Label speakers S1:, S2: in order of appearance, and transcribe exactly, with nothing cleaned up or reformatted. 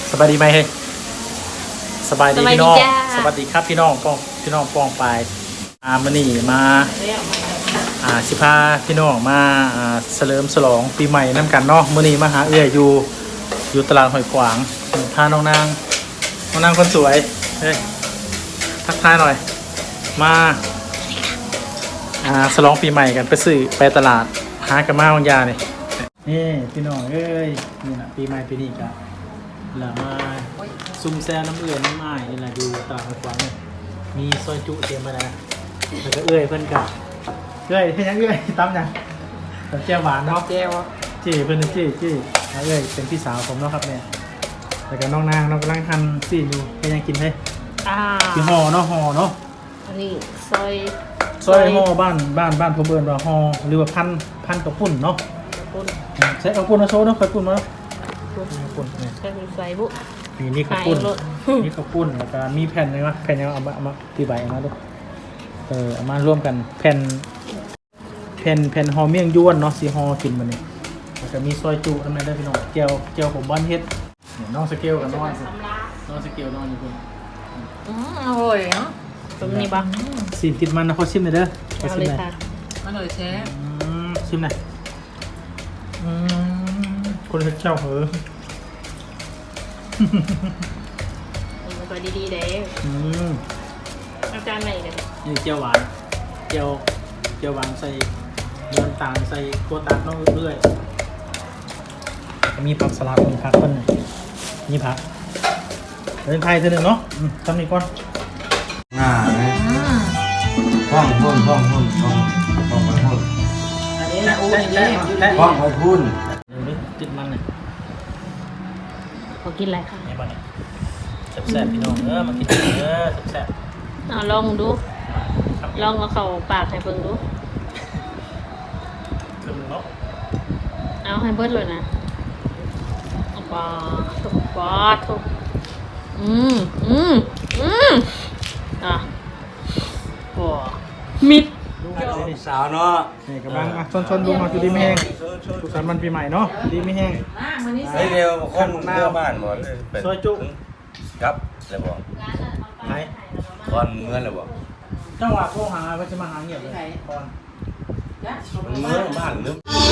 S1: สบายดีไหมเฮ้ยสบายดีพี่น้องสวัสดีครับพี่น้องป้องพี่น้องป้องไปอามานี่มาอ่าสิพาพี่น้องมาอ่าเฉลิมฉลองปีใหม่น้ำกันเนาะมื้อนี้มาหาเอื้อยอยู่อยู่ตลาดหอยขวางพาน้องนางน้องนางคนสวยเฮ้ยทักทายหน่อยมาอ่าฉลองปีใหม่กันไปซื้อไปตลาดหากันมาบางยาเนี่ยนี่พี่น้องเอ้ยนี่นะปีใหม่ปีนี้กันแล้วมาซุ่มแซวน้ำเอื้อยน้ำอ้ายนี่แหละดูตลาดหอยขวางเนี่ยมีซอยจุเตรียมมาแล้วแล้วก็เอื้อยเพิ่นกับเอื้อยเฮ็ดหยังเอื้อยตำหยังตำแจ่วหวานเนาะ
S2: แก้ว
S1: จี้เพิ่นจี้จี้แล้วเอื้อยเป็นพี่สาวผมเนาะครับเนี่ยแล้วก็น้องนางน้องกำลังหั่นซีนอยู่เฮ็ดหยังกินเฮ้ย
S2: อ่า
S1: คือห่อเนาะห่อเนาะ
S2: อันนี้ซอย
S1: ซอยห่อบ้านบ้านบ้านผมเอิ้นว่าห่อหรือว่าพันพันกระปุ่นเนาะ
S2: ปุ้น
S1: ใช้กระปุ่นมาโชว์เนาะกระปุ่นมาเนาะ
S2: ปุ้น
S1: กระปุ่นเนี่ย
S2: ใช้เป็นไฟบุ
S1: มีนี่ข้าวปุ้น
S2: ขายรถ
S1: นี่ข้าวปุ้นแล้วก็มีแผ่นอะไรวะแผ่นยังเอามาเอามาตีใบเอามาดูเออเอามาร่วมกันแผ่นแผ่นแผ่นห่อเมี่ยงยวนเนาะสีห่อกินมันนี่แล้วก็มีซอยจุทำไมได้พี่น้องเจียวเจียวผมบ้านเฮ็ดเนี่ยน้องสเกลกับน้องน้องสเกลน้องอยู่คุณ
S2: อืมอร่อยเนาะตรงนี้ปะ
S1: ซีนติดมันนะเขาชิมหน่อยเด้อเขา
S2: เอา
S1: ชิม
S2: เลย
S1: หน่อย
S2: ค่ะอร่อยแท้
S1: อืมชิมหน่อยอืมคนเฮ็ดเจ้าเหอะ
S2: มันก็ดีๆเด้
S1: อืม
S2: อาจารย์ไหนกัน
S1: นี่เจียวหวานเจียวเจียวหวานใส่เนื้อตาลใส่กัวตัดน้องเรื่อยมีผักสลัดมีผักต้นมีผักเป็นไทยเท่านึงเนาะอืมทำนี่ก่อน
S3: หน้าไหมห้องพุ่นห้องพุ่นห้องห้องไปพุ่น
S2: อันนี้นะอู้อันนี้
S1: แทะ
S3: ห้องไปพุ่น
S1: เดี๋ยวนี้ติดมันเลย
S2: ขอกินอะไรค่ะ
S1: นี่บ้านเนี่ยแซ่บๆพี่น้องเออมากินเออแซ่บ
S2: เอาลองดู
S1: ๆครับ
S2: ลองเอาเข้าปากให้เบิ่งดู
S1: ครึ่งเนาะ
S2: เอาให้เบิดเลยนะปาทุกปาทุกอืมอืมอืมอ่ะโอ้มิด
S3: สาวเนาะ
S1: นี่กำลังอ่ะชนๆดูมาคือดีไม่แห้งสุขสันต์วันปีใหม่เนาะดีไม่แห้ง
S3: เฮ้ยเร็วคนเมื่อบ้านหมดเลยเป็น
S1: ซอยจุ
S3: ครับเลยบอก
S1: ไหน
S3: ตอนเมื่อเลยบอก
S1: จังหวะโทรหาว่าจะมาหาเงียบเลยก่อน
S3: มันเมื่อบ้านนึก
S1: เ